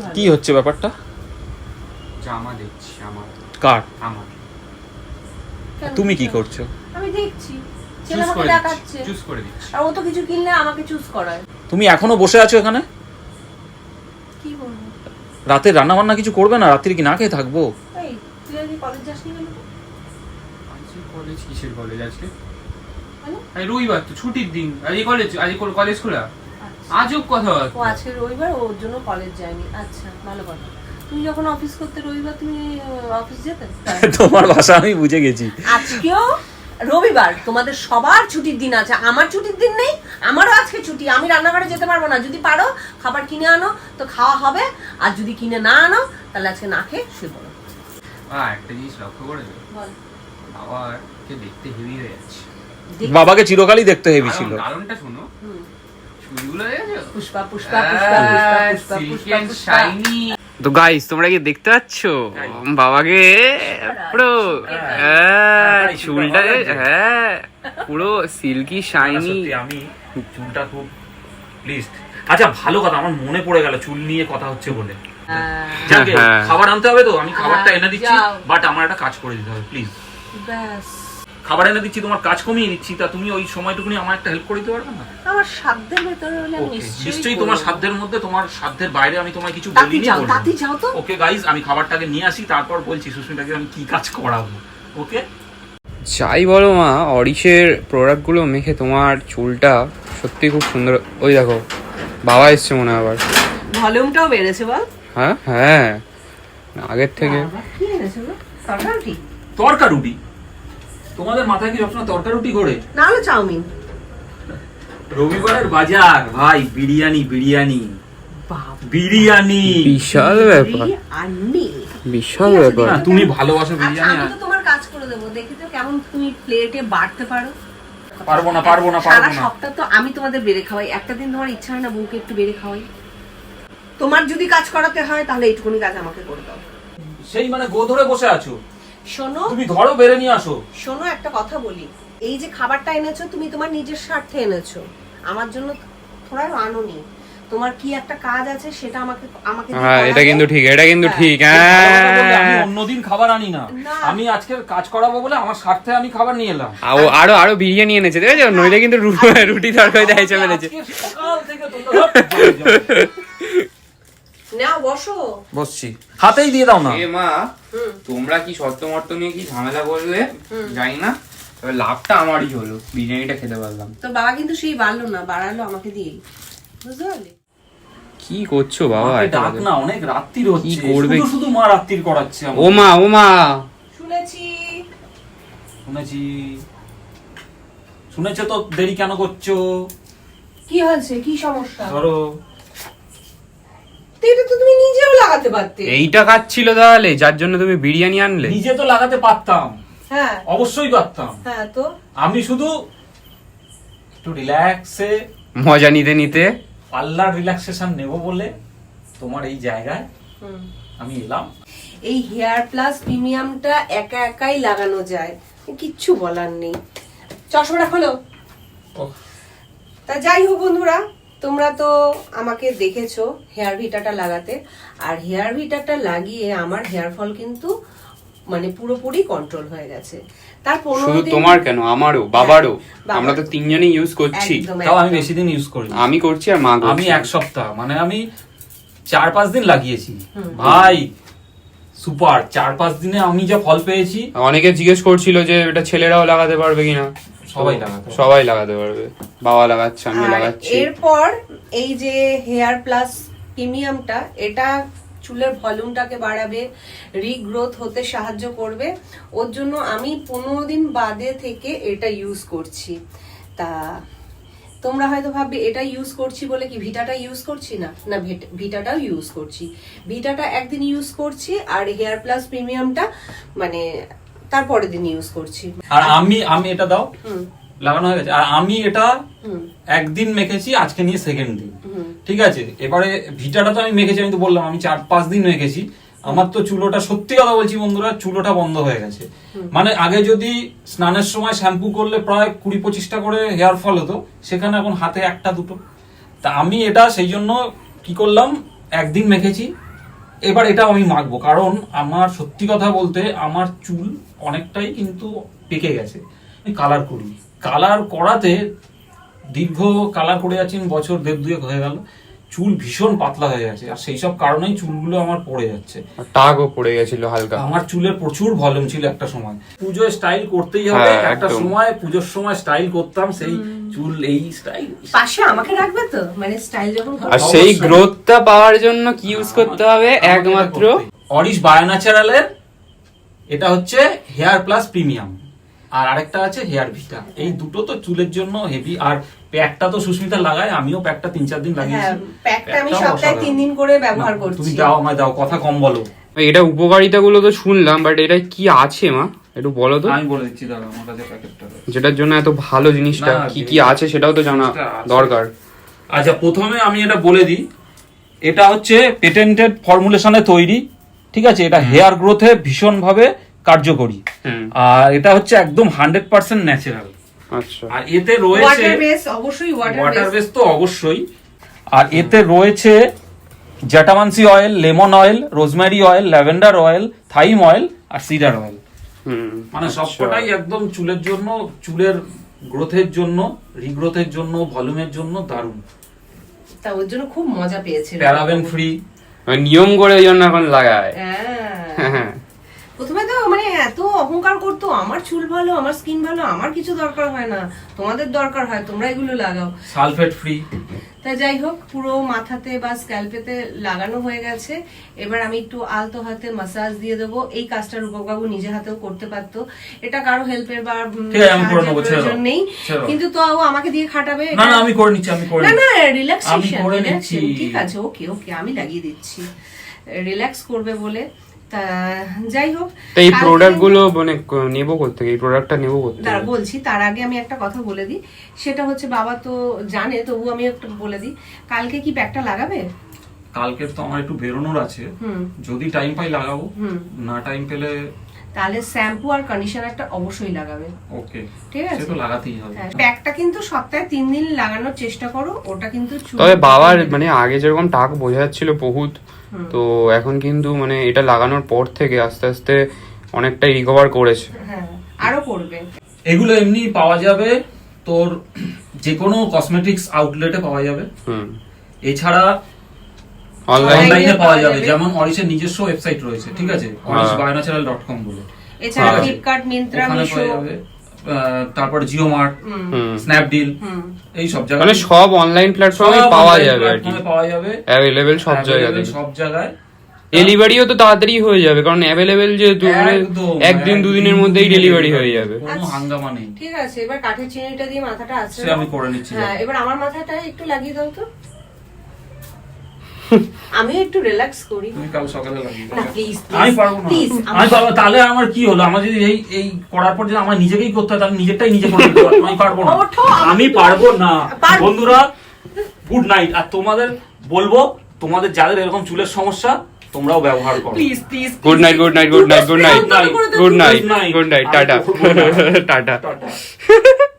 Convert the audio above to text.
কি হচ্ছে ব্যাপারটা? জামা দেখছি আমার। কার? আমার। তুমি কি করছো? আমি দেখছি ছেলে চুজ আমাকে করে দেখাচ্ছে, দিচ্ছি, চুজ করে দিচ্ছি। আর ও তো কিছু কিনলে আমাকে চুজ করায়। তুমি এখনো বসে আছো এখানে? কি বলবো? রাতে রান্না বান্না কিছু করবে না? রাত্রি কি না খেয়ে থাকবো? এই তুই আজকে কলেজ যাসনি কেন? আজকে কলেজ কিসের কলেজ আজকে? মানে? এই রবিবার তো ছুটির দিন। আজকে কলেজ খোলা। আচ্ছা। আজব কথা। ও আজকে রবিবার, ওর জন্য কলেজ যায়নি। আচ্ছা, ভালো কথা। তুমি যখন অফিস করতে রবিবার তুমি অফিস যেতে? তোমার ভাষা আমি বুঝে গেছি। আজকেও রবিবার, তোমাদের সবার ছুটির দিন আছে, আমার ছুটির দিন নেই। আমারও আজকে ছুটি, আমি রান্নাঘরে যেতে পারবো না। যদি পারো খাবার কিনে আনো তো খাওয়া হবে, আর যদি কিনে না আনো তাহলে আজকে না খেয়ে শুয়ে পড়ো। একটা জিনিস লক্ষ্য করেছো? বল। বাবাকে দেখতে হেভি হয়ে যাচ্ছে। বাবাকে চিরকালই দেখতে হেভি ছিল। কারণটা শোনো, চুলগুলো দেখেছো? পুষ্পা পুষ্পা পুষ্পা পুষ্পা পুষ্পা পুষ্পা পুষ্পা। তো গাইস তোমরা কি দেখতে পাচ্ছ বাবাকে পুরো চুলটা পুরো সিল্কি শাইনি। আমি চুলটা খুব প্লিজড। আচ্ছা ভালো কথা, আমার মনে পড়ে গেল চুল নিয়ে কথা হচ্ছে বলে। যাকে খাবার আনতে হবে তো আমি খাবারটা এনে দিচ্ছি, বাট আমার একটা কাজ করে দিতে হবে প্লিজ। ব্যাস, খাবার এনে দিচ্ছি, তোমার কাজ কমিয়ে দিচ্ছি, তা তুমি ওই সময়টুকুনি আমার একটা হেল্প করে দিতে পারবে না? আমার সাধ্যের ভেতরে হলে আমি নিশ্চয়ই তোমার সাধ্যের মধ্যে, তোমার সাধ্যের বাইরে আমি তোমায় কিছু তাতি বলিনি। যাও, তাতি যাও তো। ওকে গাইস, আমি খাবারটাকে নিয়ে আসি, তারপর বলছি সুস্মিতাকে আমি কি কাজ করাবো। ওকে যাই বলো মা, অরিশের প্রোডাক্টগুলো মেখে তোমার চুলটা সত্যি খুব সুন্দর। ওই দেখো বাবা এসছে মনে হয় আবার। ভলিউমটাও বেড়েছে বল। হ্যাঁ হ্যাঁ, আগের থেকে। বাবা, কি এনেছে গো? তরকারি? তরকা রুটি? তোমাদের মাথায় কি সবসময় তরকা রুটি করে? না হলে চাউমিন। রবিবারের বাজার ভাই, বিরিয়ানি বিরিয়ানি বাবা, বিরিয়ানি, বিশাল ব্যাপার, আন্নি বিশাল ব্যাপার। না, তুমি ভালোবাসো বিরিয়ানি। আমি তো তোমার কাজ করে দেবো, দেখি তো কেমন তুমি প্লেটে বাড়তে পারো। পারবো না পারবো না সারা পারবো না। সপ্তাহ তো আমি তোমাদের বেড়ে খাওয়াই, একটা দিন তোমার ইচ্ছা হয় না বউকে একটু বেড়ে খাওয়াই? তোমার যদি কাজ করাতে হয় তাহলে এইটুকুনি কাজ আমাকে করে দাও। সেই মানে গো ধরে বসে আছো? শোনো, তুমি ধরো, বেড়ে নিয়ে আসো। শোনো একটা কথা বলি, এই যে খাবারটা এনেছো তুমি তোমার নিজের স্বার্থে এনেছো, আমার জন্য থোড়াও আনোনি। তোমার কি একটা কাজ আছে সেটা আমাকে আমাকে দিয়ে হ্যাঁ এটা করাবে। কিন্তু ঠিক, এটা কিন্তু ঠিক। আমি অন্যদিন খাবার আনি না, না। আমি আজকে কাজ করাবো বলে আমার স্বার্থে আমি খাবার নিয়ে এলাম। আরো আরো বিরিয়ানি এনেছে, দেখেছো? নইলে কিন্তু রুটি তরকারি দেয় চলে আজকে সকাল থেকে তোমরা না বসো। বসছি, হাতেই দিয়ে দাও না। এ মা, তোমরা কি শর্ত নিয়ে কি ঝামেলা করলে জানি না, তবে লাভটা আমারই হলো, বিরিয়ানিটা খেতে পারলাম। তো বাবা কিন্তু সেই বাড়লো না, বাড়ালো আমাকে দিয়ে, বুঝতে পারলি? কি করছো বাবা? মাকে ডাক না, অনেক রাত্রির হচ্ছে, কি করবে? শুধু শুধু মা রাত্রির করাচ্ছে আমাকে। ও মা শুনেছি। শুনেছি, শুনেছো তো, দেরি কেন করছো? কি হয়েছে, কি সমস্যা? ধরো, তো এটা তো তুমি নিজেও লাগাতে পারতে। এইটা খাচ্ছিল তাহলে, যার জন্য তুমি বিরিয়ানি আনলে? নিজে তো লাগাতে পারতাম, হ্যাঁ অবশ্যই পারতাম। হ্যাঁ, তো আমি শুধু একটু রিল্যাক্সে মজা নিতে নিতে পার্লার রিল্যাক্সেশন নেব বলে তোমার এই জায়গায় আমি এলাম। এই হেয়ার প্লাস প্রিমিয়ামটা একা একাই লাগানো যায়, কিচ্ছু বলার নেই। চশমাটা খোলো। তা যাই হোক বন্ধুরা, তোমরা তো আমাকে দেখেছো হেয়ার ভিটাটা লাগাতে, আর হেয়ার ভিটাটা লাগিয়ে আমার হেয়ার ফল কিন্তু মানে পুরোপুরি কন্ট্রোল হয়ে গেছে। তার 15 শুধু দিন। তোমার কেন, আমারও, বাবারও, বাবার। আমরা তো তিনজনই ইউজ করছি। একদম, তাও আমি একদম। বেশি দিন ইউজ করি, আমি করছি আর মা করছে। আমি এক সপ্তাহ, মানে আমি 4-5 দিন লাগিয়েছি ভাই, সুপার। 4-5 দিনে আমি যা ফল পেয়েছি। অনেকে জিজ্ঞেস করছিল যে এটা ছেলেরাও লাগাতে পারবে কিনা। সবাই লাগাতে পারবে, বাবা লাগাচ্ছে, আমি আর লাগাচ্ছি। এরপর এই যে হেয়ার প্লাস প্রিমিয়ামটা, এটা চুলের ভলিউমটাকে বাড়াবে, রিগ্রোথ হতে সাহায্য করবে। ওর জন্য আমি 15 দিন বাদে থেকে এটা ইউজ করছি। তা তোমরা হয়তো ভাববে এটা ইউজ করছি বলে কি ভিটাটা ইউজ করছি না, না ভিটাটাও ইউজ করছি। ভিটাটা একদিন ইউজ করছি, আর হেয়ার প্লাস প্রিমিয়ামটা মানে তারপরের দিন ইউজ করছি। আর আমি এটা দাও, লাগানো হয়ে গেছে। আর আমি এটা একদিন মেখেছি, আজকে নিয়ে সেকেন্ড দিন, ঠিক আছে। এবারে ভিটাটা তো আমি মেখেছি, আমি তো বললাম আমি 4-5 দিন মেখেছি। আমার তো চুলোটা, সত্যি কথা বলছি বন্ধুরা, চুলোটা বন্ধ হয়ে গেছে। মানে আগে যদি স্নানের সময় শ্যাম্পু করলে প্রায় 20-25টা করে হেয়ার ফল হতো, সেখানে এখন হাতে 1-2। তা আমি এটা সেই জন্য কি করলাম, একদিন মেখেছি, এবার এটা আমি মাখবো, কারণ আমার সত্যি কথা বলতে আমার চুল অনেকটাই কিন্তু পেকে গেছে। আমি কালার করি, কালার করাতে দীর্ঘ কালার করে যাচ্ছি বছর 1.5 হয়ে গেল, চুল ভীষণ পাতলা হয়ে গেছে, আর সেই সব কারণেই চুলগুলো আমার পড়ে যাচ্ছে। টাকও পড়ে গেছিল হালকা। আমার চুলের প্রচুর ভলিউম ছিল একটা সময়, পুজোয় স্টাইল করতেই হবে, হ্যাঁ, একটা একদম। সময় পুজোর সময় স্টাইল করতাম, সেই চুল এই স্টাইল। পাশে আমাকে রাখবে তো, মানে স্টাইল যখন করবে। আর সেই অবশ্যই। গ্রোথটা পাওয়ার জন্য কি ইউজ করতে হবে? একমাত্র অরিশ বায়োন্যাচারালের এটা হচ্ছে হেয়ার প্লাস প্রিমিয়াম, আর আরেকটা আছে হেয়ার ভিটা। এই দুটো তো চুলের জন্য হেভি। আর প্যাকটা তো সুস্মিতা লাগায়, আমিও প্যাকটা 3-4 দিন হ্যাঁ, লাগিয়েছি। প্যাকটা আমি প্যাকটাও সপ্তাহে অসাধারণ। 3 দিন করে ব্যবহার না, করছি। তুমি দাও, আমায় দাও, কথা কম বলো। এটা উপকারিতাগুলো তো শুনলাম, বাট এটা কি আছে মা একটু বলো তো, আমি বলে দিচ্ছি, দাঁড়াও, আমার কাছে প্যাকেটটা রয়েছে। যেটার জন্য এত ভালো জিনিসটা না, কি কি আছে সেটাও তো জানা জিনিসটা আছে। দরকার। আচ্ছা, প্রথমে আমি এটা বলে দিই, এটা হচ্ছে পেটেন্টেড ফর্মুলেশনে তৈরি, ঠিক আছে? এটা হেয়ার গ্রোথে ভীষণভাবে কার্যকরী, হুম। আর এটা হচ্ছে একদম 100% ন্যাচারাল। আচ্ছা। আর এতে রয়েছে ওয়াটার বেস, অবশ্যই ওয়াটার ওয়াটার বেস। বেস তো অবশ্যই, আর এতে রয়েছে jatamansi oil, lemon oil, rosemary oil, lavender oil, thyme oil আর সিডার অয়েল। হুম। মানে আচ্ছা। সবকটাই একদম চুলের জন্য, চুলের গ্রোথের জন্য, রিগ্রোথের জন্য, ভলিউমের জন্য দারুণ। তা ওর জন্য খুব মজা পেয়েছে। Paraben free. মানে নিয়ম করে ওই জন্য এখন লাগায়। হ্যাঁ। হ্যাঁ। প্রথমে তো মানে এত অহংকার করতো, আমার চুল ভালো, আমার স্কিন ভালো, আমার কিছু দরকার হয় না, তোমাদের দরকার হয়, তোমরা এগুলো লাগাও। Sulphate free. তা যাই হোক, পুরো মাথাতে বা স্ক্যাল্পেতে লাগানো হয়ে গেছে। এবার আমি একটু আলতো হাতে মাসাজ দিয়ে দেবো। এই কাজটা রূপকবাবু নিজে হাতেও করতে পারতো, এটা কারো হেল্পের বা ঠিক আছে, আমি করে নেবো, ছেড়ে দাও, প্রয়োজন নেই, ছেড়ে দাও। কিন্তু তো আমাকে দিয়ে খাটাবে। না না, আমি করে নিচ্ছি, আমি করে না নিচ্ছি। না, আমি রিল্যাক্সেশন, করে নিচ্ছি। ঠিক আছে, ওকে ওকে, আমি লাগিয়ে দিচ্ছি, রিল্যাক্স করবে বলে। তা যাই হোক, তো এই কালকে প্রোডাক্ট গুলো মানে নেবো কোথেকে? এই প্রোডাক্টটা নেবো কোথেকে? দাঁড়া বলছি, তার আগে আমি একটা কথা বলে দিই। সেটা হচ্ছে, বাবা তো জানে, তবু আমি একটু বলে দিই, কালকে কি প্যাকটা লাগাবে? কালকে তো আমার একটু বেরোনোর আছে, হুম যদি টাইম পাই লাগাবো, হুম। না টাইম পেলে তাহলে শ্যাম্পু আর কন্ডিশনারটা অবশ্যই লাগাবে। ওকে, ঠিক আছে, সে তো লাগাতেই হবে। হ্যাঁ, প্যাকটা কিন্তু সপ্তাহে 3 দিন লাগানোর চেষ্টা করো, ওটা কিন্তু তবে বাবার মানে আগে যেরকম টাক বোঝা যাচ্ছিল বহুত, তো এখন কিন্তু মানে এটা লাগানোর পর থেকে আস্তে আস্তে অনেকটাই রিকভার করেছে। হ্যাঁ, আরো করবে। এগুলো এমনি পাওয়া যাবে তোর যে কোনো কসমেটিক্স আউটলেটে পাওয়া যাবে, হুম। এছাড়া অনলাইন অনলাইনে পাওয়া যাবে, যাবে। যেমন অরিশের নিজস্ব ওয়েবসাইট রয়েছে, ঠিক আছে, orishbionatural.com বলে, এছাড়া হ্যাঁ। ফ্লিপকার্ট, মিন্ত্রা, ওখানে মিশো, পাওয়া যাবে। তারপর জিও মার্ট, হুম। স্ন্যাপডিল, হুম। এই সব মানে জায়গায় সব অনলাইন প্ল্যাটফর্মে সব পাওয়া online যাবে আর কি, platform এ পাওয়া যাবে, অ্যাভেলেবেল সব জায়গাতে। available সব জায়গায়। ডেলিভারিও তো তাড়াতাড়ি হয়ে যাবে, কারণ অ্যাভেলেবেল যেহেতু মানে একদম, একদিন দুদিনের মধ্যেই ডেলিভারি হয়ে যাবে। কোনো আচ্ছা। হাঙ্গামা নেই। ঠিক আছে, এবার কাঠের চিনিটা দিয়ে মাথাটা আছে, সে আমি করে নিচ্ছি। হ্যাঁ, এবার আমার মাথাটা একটু লাগিয়ে দাও তো, আমি একটু রিল্যাক্স করি। তুমি কাল সকালে লাগিয়ে দাও। না, প্লিজ আমি পারবো না, প্লিজ, আমি পারবো না। তাহলে আমার কি হলো? আমার যদি এই এই করার পর যদি আমার নিজেকেই করতে হয়, তাহলে নিজেরটাই নিজে করে নিতে পারবো। আমি পারবো না, ওঠো, আমি পারবো না। পারবো। বন্ধুরা, গুড নাইট। আর তোমাদের বলবো, তোমাদের যাদের এরকম চুলের সমস্যা, তোমরাও ব্যবহার করো। Please please. Good night, good night, good night, good night, Good night. Good night, Good night. Good night, ta-ta Good night. Ta-ta. Tata.